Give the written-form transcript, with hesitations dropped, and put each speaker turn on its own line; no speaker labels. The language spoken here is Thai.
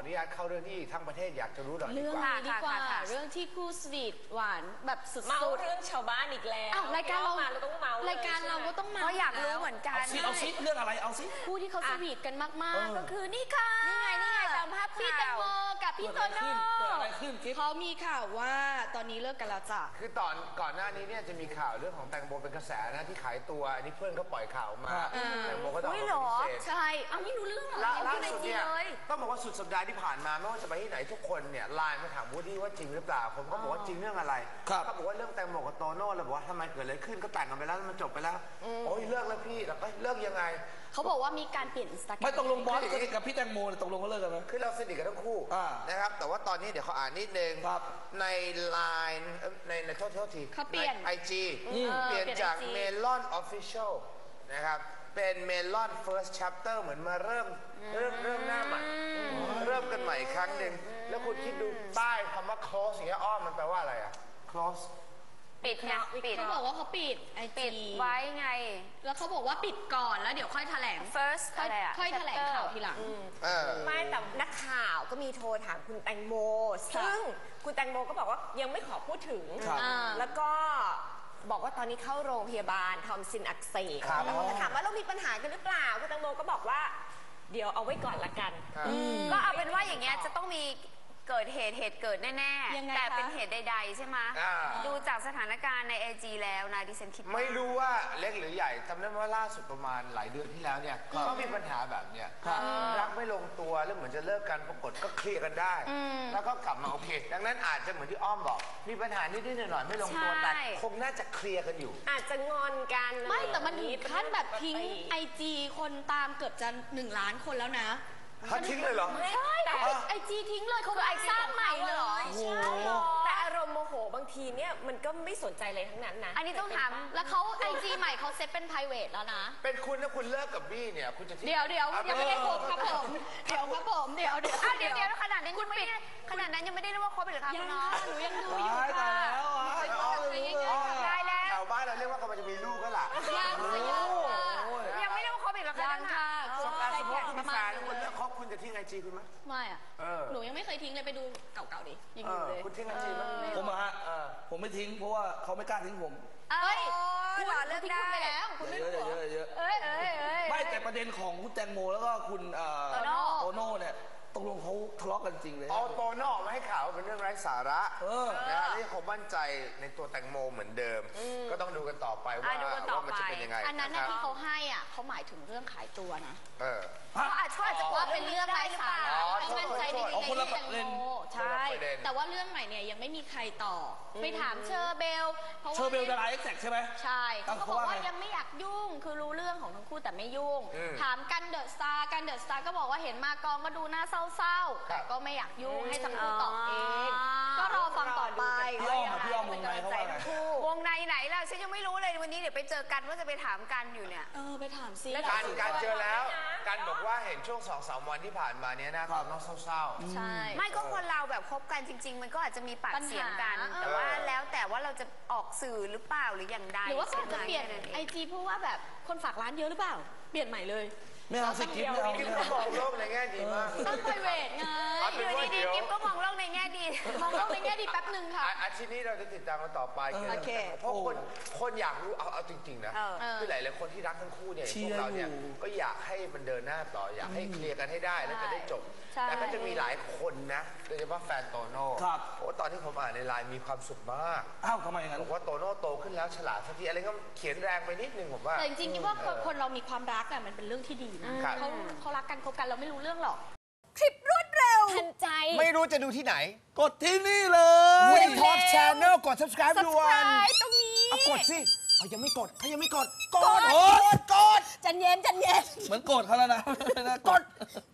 นุญาตเข้าเรื่องที่ทั้งประเทศอยากจะรู้หน่อยดี
เรื่อง
กว่า
นี้ดีกว่าเรื่องที่คู่สวีทหวานแบบสุดๆ
เมาเรื่องชาวบ้านอีกแล้ว
รายการเรา
ต้องเมาร
ายการเราก็ต้องเมา
ก็อยากรู้เหมือนกัน
เอาซิเรื่องอะไรเอาซิ
คู่ที่เขาสวีทกันมากๆก็คือนี่ค่ะ
นี่ไงตามภาพ
พี่แตงโมกับพี่โตโน่
เกิดอะไรขึ้นกิ๊บ
เขามีข่าวว่าตอนนี้เลิกกันแล้วจ้ะ
คือก่อนหน้านี้เนี่ยจะมีข่าวเรื่องของแตงโมเป็นกระแสนะที่ขายตัวอันนี้เพื่อนเขาปล่อยข่าวมาแตงโมก็ต้องออกมาปฏิเสธ
ใช่เอาไม่รู้เรื่องเหรอ
ล่าสุดเนี่ยต้องบอกว่าสุดสัปดาห์ที่ผ่านมาไม่ว่าจะไปที่ไหนทุกคนเนี่ยไลน์มาถามวูดดี้ว่าจริงหรือเปล่าผมก็บอกว่าจริงเรื่องอะไรเขาบอกว่าเรื่องแตงโมกับโตโน่เราบอกว่าทำไมเกิดอะไรขึ้นก็แต่งกันไปแล้วมันจบไปแล้วโอ้ยเลิกแล้วพี่แล้วก็เลิกยังไง
เขาบอกว่ามีการเปลี่ยนอินสตาแกรม
ไม่ตกลงบอสกับพี่แตงโมตกลงเขาเลิกกันไหม
คือเราสนิทกันทั้งคู่นะครับแต่ว่าตอนนี้เดี๋ยวเขาอ่านนิดนึงในไลน์ในโทษที
เขาเปลี่ยน
IG เปลี่ยนจาก Melon Official นะครับเป็น Melon First Chapter เหมือนมาเริ่มหน้าใหม่เริ่มกันใหม่อีกครั้งหนึ่งแล้วคุณคิดดูป้ายคำว่า close อย่างเงี้ยอ้อมมันแปลว่าอะไรอะ close
ปิดไงปิด
เขาบอกว่าเขาปิดไอจี
ไว้ไง
แล้วเขาบอกว่าปิดก่อนแล้วเดี๋ยวค่อยแถลง
first อะไรอะ
ค่อยแถลงข่าวทีหลัง
ไม่แต่นักข่าวก็มีโทรถามคุณแตงโมซึ่งคุณแตงโมก็บอกว่ายังไม่ขอพูดถึงแล้วก็บอกว่าตอนนี้เข้าโรงพยาบาลทอมซินอักเสบแล้วก็ถามว่าเรามีปัญหากันหรือเปล่าคุณแตงโมก็บอกว่าเดี๋ยวเอาไว้ก่อนละกัน
ก็เอาเป็นว่าอย่างเงี้ยจะต้องมีเกิดเหตุเกิดแน่ๆแต่เป็นเหตุใดๆใช่ไหมดูจากสถานการณ์ใน AG แล้วนะดิฉันคิด
ไม่รู้ว่าเล็กหรือใหญ่จำได้ว่าล่าสุดประมาณหลายเดือนที่แล้วเนี่ยก็มีปัญหาแบบเนี้ยรักไม่ลงตัวแล้วเหมือนจะเลิกกันปรากฏก็เคลียร์กันได้แล้วก็กลับมาโอเคดังนั้นอาจจะเหมือนที่อ้อมบอกมีปัญหานิดๆหน่อยๆไม่ลงตัวแต่คงน่าจะเคลียร์กันอยู่
อาจจะงอนกัน
ไม่แต่มันถึงขั้นแบบทิ้ง IG คนตามเกือบจะ1 ล้านคนแล้วนะ
เขาทิ้งเลยเหรอ
ใช่ไอจีทิ้งเลยเขาไปสร้างใหม่เลย
ใช่แต่อารมณ์โมโหบางทีเนี่ยมันก็ไม่สนใจอะไรทั้งนั้นนะ
อันนี้ต้องถามแล้วเขาไอจีใหม่เขาเซตเป็น private แล้วนะ
เป็นคุณถ้าคุณเลิกกับบี้เนี่ยคุณจะทิ้ง
เดี๋ยวยังไม่ได้คบครับผมเดี๋ยวครับผมเดี๋ยว
ขนาดนั้นยังไม่ได้ขนาดนั้นยังไม่ได้เรียกว่าคบหรือคะคุณน้อง
หนูยังดูอยู่ค่ะ
ได้แล้ว
ชาวบ้านเราเรียกว่ากำลังจะมีลูกก็ล่ะ
ยังไม่ได้ว่าคบอีกหรอคะ
ยังค่ะ
สมมติคุณมีแฟนแล้วคุณเลิกคบคุณจะทิ้งไอจีคุณไหม
ไม่อะหนูยังไม่เคยทิ้งเลยไปดูเก่าๆดิยังอยู่เลย
คุณทิ้งไอจีไหม
ผมอะผมไม่ทิ้งเพราะว่าเขาไม่กล้าทิ้งผม
เอ้ยคุณเลิกได้แล้วคุณไม่รู้
เยอะไม่แต่ประเด็นของคุณแตงโมแล้วก็คุณโตโน่เนี่ยตกลงเขาทะเลาะกันจริงเลย
โตโน่ออกมาให้ข่าวเป็นเรื่องไร้สาระนะที่เขามั่นใจในตัวแตงโมเหมือนเดิมก็ต้องดูกันต่อไปว่ามันจะเป็นยังไง
อันนั้นที่เขาให้อ่ะเขาหมายถึงเรื่องขายตัวนะ
เขาอาจจะ
ว่าเป็นเรื่องไร้สาระเขามั่นใจในตัวแตงโมใช่แต่ว่าเรื่องใหม่เนี่ยยังไม่มีใครต่อไปถามเชอร์เบล
เชอร์เบลดาราเอ็กแซกใช่ไหม
ใช่เขาบอกว่ายังไม่อยากยุ่งคือรู้เรื่องของทั้งคู่แต่ไม่ยุ่งถามกันเดอะสตาร์ก็บอกว่าเห็นมากองก็ดูน่าเศร้าแต่ก็ไม่อยากยุ่งให้ทั้งคู่ตอบเองก็รอฟังต่อไป
พี่อ้อมวงในเขาว่าไง
วงในไหนล่ะฉันยังไม่รู้เลยวันนี้เดี๋ยวไปเจอกันว่าจะไปถามกันอยู่เนี่ย
ไปถามซิ
การเจอแล้วการบอกว่าเห็นช่วง 2-3 วันที่ผ่านมาเนี้ยนะตอนน้องเศร้า
ใช่
ไม่ก็คนเราแบบคบกันจริงๆมันก็อาจจะมีปากเสียงกันแต่ว่าแล้วแต่ว่าเราจะออกสื่อหรือเปล่าหรืออย่างใด
หรือว่าเขาจะเปลี่ยนไอจีเพราะว่าแบบคนฝากร้านเยอะหรือเปล่าเปลี่ยนใหม่เลย
ไม่เอาสิกิ๊บไม่เอา
กิ๊บก็มองโลกในแง่ดีมาก
ต้องไพรเวทไง
อยู่ดีๆกิ๊บก็มองโลกในแง่ดี
มองโลกในแง่ดีแป๊บหนึ่งค่ะ
อาทิตย์นี้เราจะติดตามกันต่อไปเพราะคนอยากรู้เอาจริงๆนะคือหลายๆคนที่รักทั้งคู่เนี่ยพวกเราเนี่ยก็อยากให้มันเดินหน้าต่ออยากให้เคลียร์กันให้ได้แล้วจะได้จบแต่ก็จะมีหลายคนนะโดยเฉพาะแฟนโตโน่โอ้ตอนที่ผมอ่านในไลน์มีความสุขมาก
ทำไมงั้น
บอกว่าโตโน่โตขึ้นแล้วฉลาดสักทีอะไรก็เขียนแรงไปนิดนึงผมว่า
แต่จริงๆคิดว่าคนเรามีความรักมันเป็นเรื่องที่ดีนะเขารักกันคบกันเราไม่รู้เรื่องหรอก
คลิปรวดเร็ว
ทันใจ
ไม่รู้จะดูที่ไหน
กดที่นี่เลย
Woody Talk Channel กด subscribe ด่วน
ตรงนี้
กดสิเขายังไม่กดกด
ใจเย็น
เหมือนโกรธเขาแล้วนะ
กด